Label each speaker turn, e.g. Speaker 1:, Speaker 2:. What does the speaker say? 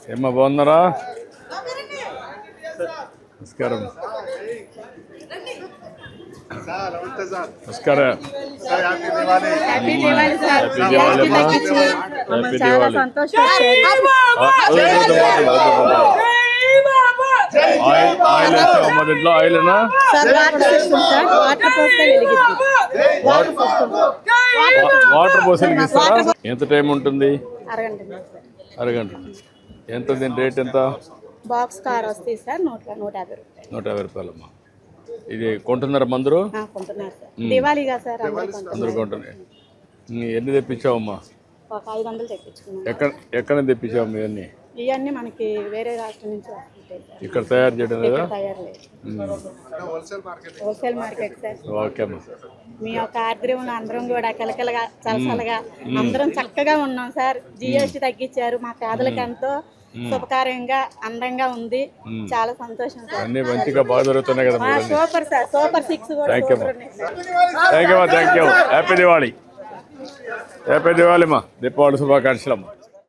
Speaker 1: ఏమ్మా బాగున్నారా? నమస్కారం. నమస్కారం. హ్యాపీ దివాళీ అమ్మా. హ్యాపీ దివాళీ. ఆయిల్ వేసావమ్మా దీంట్లో? ఆయిల్నా? వాటర్ పోసి వెలిగిస్తారా? ఎంత టైం ఉంటుంది? అరగంట. ఎంత దీని రేట్ ఎంత?
Speaker 2: బాక్స్ కార్ వస్తాయి సార్ 150 రూపాయలు.
Speaker 1: 150 రూపాయలమ్మా. ఇది కొంటున్నారా మందరు?
Speaker 2: కొంటున్నారు సార్. దివాళీగా సార్
Speaker 1: అందరూ కొంటున్నాయి. ఎన్ని తెప్పించావమ్మా?
Speaker 2: ఒక 500 తెప్పించుకున్నాం.
Speaker 1: ఎక్కడ తెప్పించావమ్మా ఇవన్నీ?
Speaker 2: ఇవన్నీ మనకి వేరే రాష్ట్రం నుంచి వస్తుంటాయి సార్.
Speaker 1: ఇక్కడ తయారు చేయడం లేదా?
Speaker 2: తయారు లేదు. Wholesale market sir.
Speaker 1: ఓకే అమ్మా.
Speaker 2: మీ యొక్క ఆర్ద్రంలో అందరం కూడా కలకలగా చలసలగా అందరం చక్కగా ఉన్నాం సార్. జిఎస్టీ తగ్గించారు. మా పేదలకు ఎంతో శుభకార్యంగా అందంగా ఉంది. చాలా సంతోషం సార్.
Speaker 1: అన్ని మంచిగా బాగా జరుగుతున్నాయి కదా?
Speaker 2: Super sir. సూపర్ 6 కూడా
Speaker 1: thank you. Happy Diwali. Happy Diwali అమ్మా. దీపావళి శుభాకాంక్షలు అమ్మా.